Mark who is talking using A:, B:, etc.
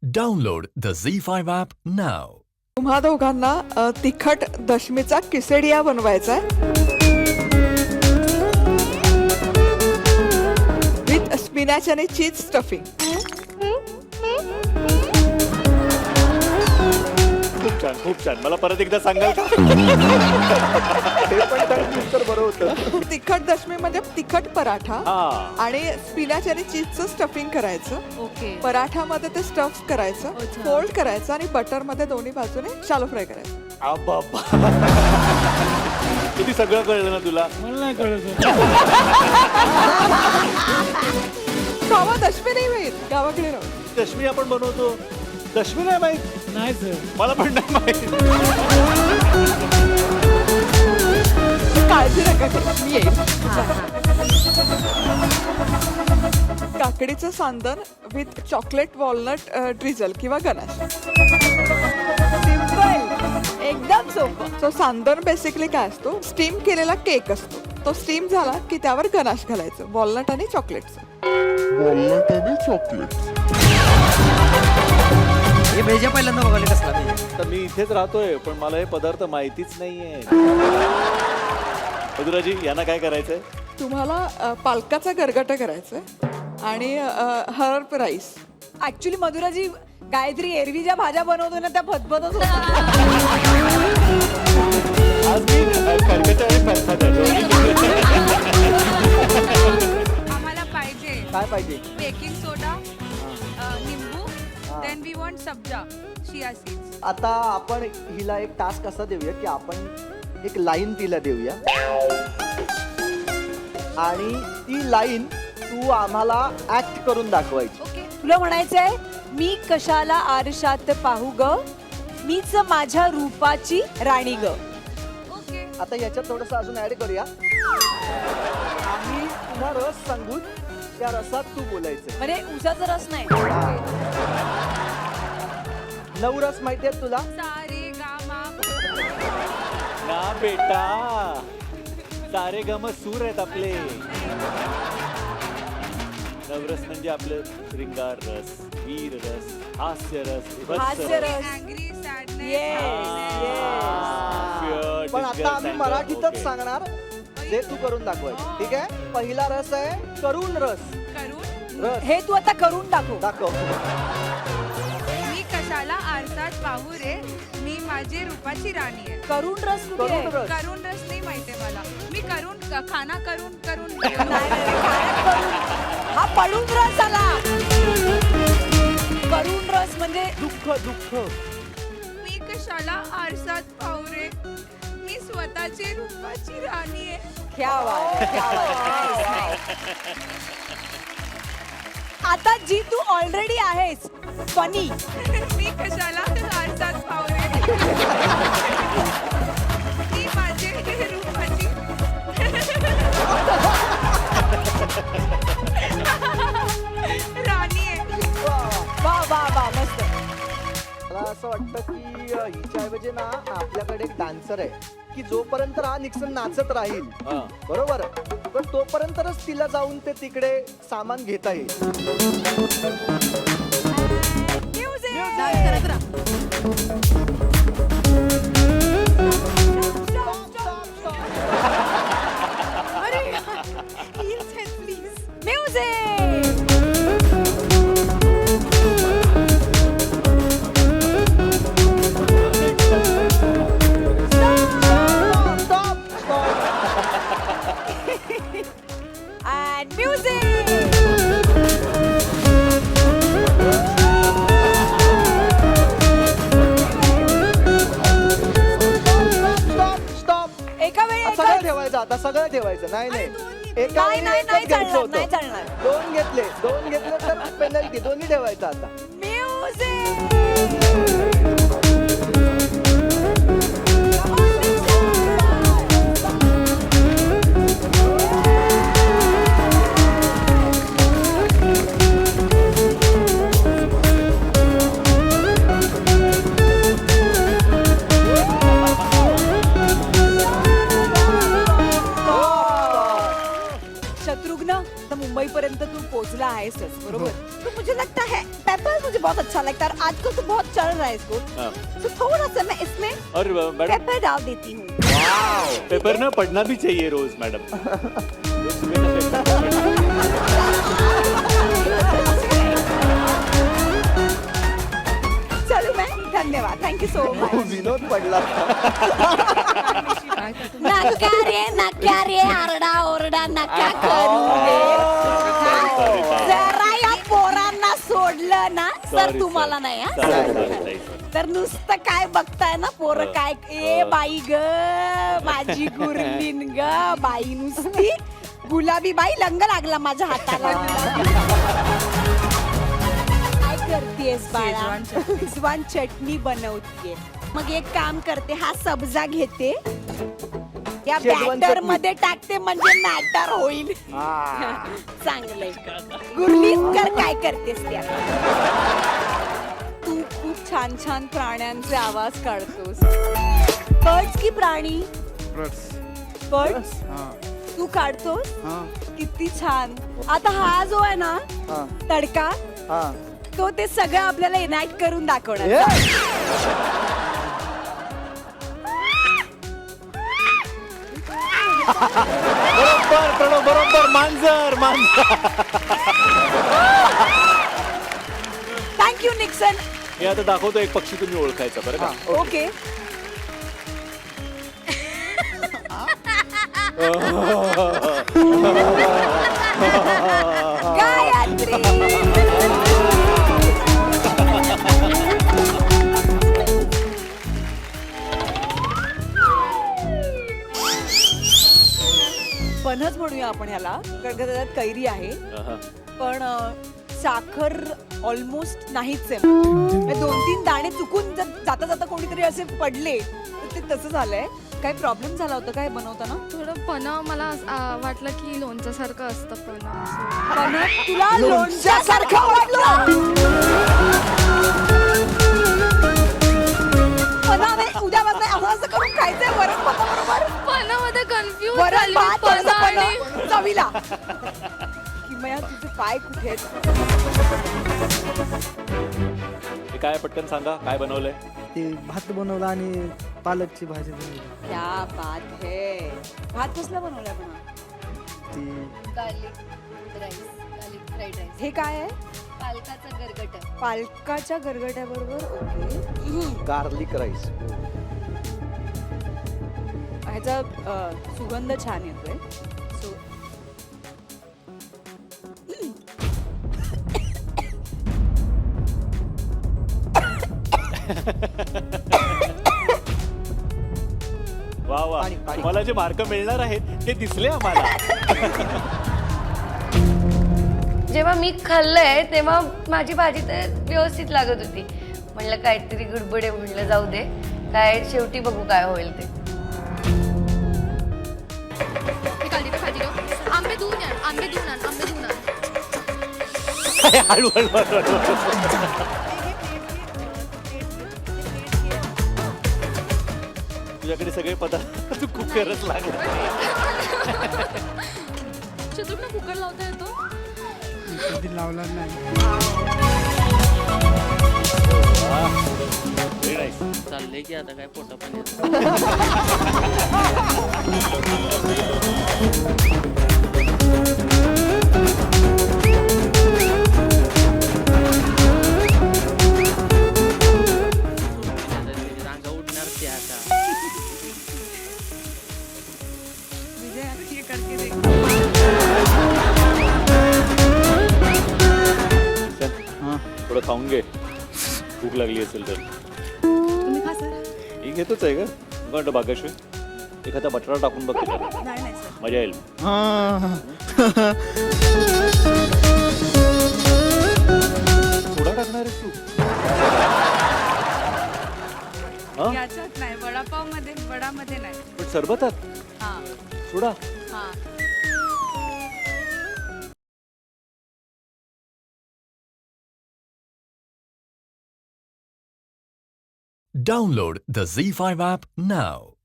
A: Download the Z5 app now.
B: तुम्हा दोघांना तिखट दशमीचा किसेडिया बनवायचा आहे विथ स्पिनॅच आणि चीज स्टफिंग.
C: खूप छान. मला परत एकदा सांगाल का? हे पण तर बरं होतं.
B: तिखट दशमी म्हणजे तिखट पराठा
C: हा.
B: आणि स्पिनॅच आणि चीजचं स्टफिंग करायचं.
D: ओके.
B: पराठामध्ये ते स्टफ करायचं,
D: अच्छा.
B: फोल्ड करायचं आणि बटर मध्ये दोन्ही बाजूने शालो फ्राय करायचं.
C: आबाबा. किती सगळं कळलं ना तुला?
E: मला नाही कळत.
B: गावा दशमी नाही माहीत, गावाकडे राहू.
C: दशमी आपण बनवतो. दशमी नाही माहित.
E: नाही सर.
C: मला पण नाही माहित.
B: काळजी नका करू, मी येईल. काकडीचं सांदन विथ चॉकलेट वॉलनट ड्रिझल किंवा गनाश.
D: सिंपल, एकदम सोपं.
B: सो सांदन बेसिकली काय असतो, स्टीम केलेला केक असतो. तो स्टीम झाला की त्यावर गनाश घालायचं, वॉलनट आणि चॉकलेटचं.
F: हे भेजा पहिल्यांदा बघायला कसला भेजा.
C: तर मी इथेच राहतोय पण मला हे पदार्थ माहितीच नाहीये. मधुराजी यांना काय करायचंय?
B: तुम्हाला पालकाचा गरगटा करायचा आणि हर्ब राईस.
D: ऍक्च्युली मधुराजी, गायत्री एरवी ज्या भाज्या बनवतो ना त्या फतफतच होतात.
C: आज मी खरकटं आणि फरफट
G: आम्हाला पाहिजे
F: काय पाहिजे?
G: बेकिंग सोडा, निंबू, देन वी वॉन्ट सब्जा, चिया सीड्स.
F: आता आपण हिला एक टास्क असा देऊया की आपण एक लाईन तिला देऊया आणि ती लाईन तू आम्हाला ऍक्ट करून दाखवायची.
G: ओके.
D: तुला म्हणायचंय, मी कशाला आरशात पाहू ग, मीच माझ्या रूपाची राणी ग.
G: ओके.
F: आता याच्यात थोडस अजून ऍड करूया. आम्ही पुन्हा रस सांगून त्या रसात तू बोलायचं.
D: म्हणजे उसाचा रस नाही.
F: 9 रस माहिती आहेत तुला?
G: सारे गामा.
C: ना बेटा, सारे गम सूर आहेत आपले. नवरस म्हणजे आपलं श्रृंगार रस, वीर रस, हास्य रस,
D: हास्य रस.
G: अँग्री,
D: Yes,
F: पण आता आम्ही मराठीतच सांगणार जे तू करून दाखवायचं. ठीक आहे? पहिला रस आहे करून रस.
G: करून
F: रस
D: हे तू आता करून दाखव.
F: दाखव.
G: मी कशाला आरसात पाहू रे, मी माझी रूपाची राणी आहे.
D: करून रस कुठे आहे?
F: करून रस.
G: करून रस नाही माहितीये मला. मी करून खाना करून करून
D: नाही, नाही, काय करून? हा पडून रस आला. करून रस म्हणजे
F: दुःख दुःख.
G: मी कशाला आरसात पाहू रे, मी स्वतःची रूपाची राणी आहे.
D: क्या बात आहे, क्या बात आहे. आता जी तू ऑलरेडी आहेस फनी.
G: मी कशाला आरसात पाहू रे, मी माझे रूपाची राणी आहे.
D: वा वा वा, मस्त.
F: मला असं वाटतं की हिच्या ऐवजी ना आपल्याकडे एक डान्सर आहे की जोपर्यंत हा निक्सन नाचत राहील,
C: हा.
F: बरोबर, पण तोपर्यंतच तिला जाऊन ते तिकडे सामान घेता येईल.
D: And music!
F: स्टॉप.
D: एका वेळी
F: सगळं ठेवायचं, आता सगळं ठेवायचं. नाही नाही, एका
D: नाही,
F: वेळी
D: नाही,
F: एकच
D: नाही
F: घ्यायचं
D: चालणार,
F: होतं.
D: नाही चालणार.
F: दोन घेतले तर पेनल्टी. दोन्ही ठेवायचं आता.
D: शत्रुघ्न, तर मुंबईपर्यंत तू पोहोचला आहेसच, बरोबर? तो मुझे लगता है पेपर मुझे बहुत अच्छा लगता है और आजकल तो बहुत चल रहा है इसको,
C: हाँ।
D: तो थोड़ा सा मैं इसमें
C: और मैडम
D: पेपर डाल देती हूँ.
C: पेपर ना पढ़ना भी चाहिए रोज मैडम.
D: चलो मैं धन्यवाद, थँक्यू सो मच.
F: विनोद पडला.
D: नका रे आरडा ओरडा नका करू रे. जरा या पोरांना सोडलं ना तर
C: Sorry,
D: तुम्हाला
C: sir.
D: नाही हा.
C: Sorry.
D: तर नुसतं काय बघताय ना पोरं काय ए बाई ग माझी गुरलीन ग बाई नुसती गुलाबी बाई लंग लागला माझ्या हाताला. काय करतेस बाळा? शेजवान चटणी बनवते. मग एक काम करते, हा सब्जा घेते या
F: शेजवान
D: बॅटर
F: चटणी.
D: मध्ये टाकते म्हणजे मॅटर होईल. चांगलंय. गुरलीकर काय करतेस त्या? तू खूप छान छान प्राण्यांचे आवाज काढतोस. बर्ड्स की प्राणी? बर्ड्स तू काढतोस? किती छान. आता हा जो आहे ना
F: हा,
D: तडका,
F: हा.
D: तो ते सगळं आपल्याला इनॅक्ट करून दाखवणार.
F: ए,
C: बरोबर प्रणव बरोबर मांजर.
D: Thank you Nixon.
C: हे आता दाखवतो एक पक्षी तुम्ही ओळखायचा बरं का.
D: ओके. गायत्री. फणस म्हणूया आपण ह्याला, कारण का त्याच्यात कैरी आहे.
C: अहं.
D: पण साखर ऑलमोस्ट नाहीच आहे. म्हणजे 2-3 दाणे चुकून जर जाता जाता कोणीतरी असे पडले तर ते तसं झालंय. काय प्रॉब्लेम झाला होता काय बनवताना?
G: थोडं पन्ह मला वाटलं की लोणच्यासारखं असतं पन्ह असं.
D: पण तुला लोणच्यासारखं वाटलं? उद्यापासून असं असं करून खायचंय वरण भाताबरोबर.
G: पन्हमध्ये कन्फ्यूज
D: वरण
G: झाली
D: भात
G: पन्ह
D: थोडंसं
G: आणि
D: पन्ह चवीला. किमया तुझे पाय कुठे आहेत?
C: हे काय पटकन सांगा काय बनवलंय.
E: ते भात बनवला आणि पालकची भाजी बनवली.
D: क्या बात है. भात कसला बनवलाय पण?
E: ती
H: garlic rice garlic fried rice
D: हे काय आहे?
H: पालकाचा गरगट आहे.
D: पालकाच्या गरगट्याबरोबर. ओके.
F: Garlic rice.
D: ह्याचा सुगंध छान येतोय. सो
C: वा वा
F: पाणी, पाणी.
C: तुम्हाला जे मार्क मिळणार आहेत ते दिसले आम्हाला.
H: जेव्हा मी खाल्लंय तेव्हा माझी भाजी तर व्यवस्थित लागत होती. म्हणलं काहीतरी गडबड आहे, म्हणलं जाऊ दे, काय शेवटी बघू काय होईल ते.
G: आंबे धुवून आण, आंबे धुवून आण, आंबे धुवून आण.
C: हळू हळू हळू. तुझ्याकडे सगळे पदार्थ तू कुकरच लागला.
G: शत्रुघ्न कुकर लावता येतो?
E: कधी लावला नाही.
C: Very nice.
I: चाललंय की आता काय पोटा पाणी. रांगा उठणार ते आता.
E: हां.
C: थोडं खाऊन घे भूक लागली असेल तर.
D: तुम्ही खा सर.
C: मी घेतोच आहे का गंड भाग्यश्री. एखादा बटाटा टाकून बघ त्याच्यात.
D: नाही नाही सर.
C: मजा येईल.
E: हां.
C: सोडा टाकणार आहेस तू. हा?
G: याच्यात नाही, वडापाव मध्ये, वडामध्ये नाही.
C: पण सरबतात
G: हा
C: सोडा.
G: हा.
A: Download the Z5 app now.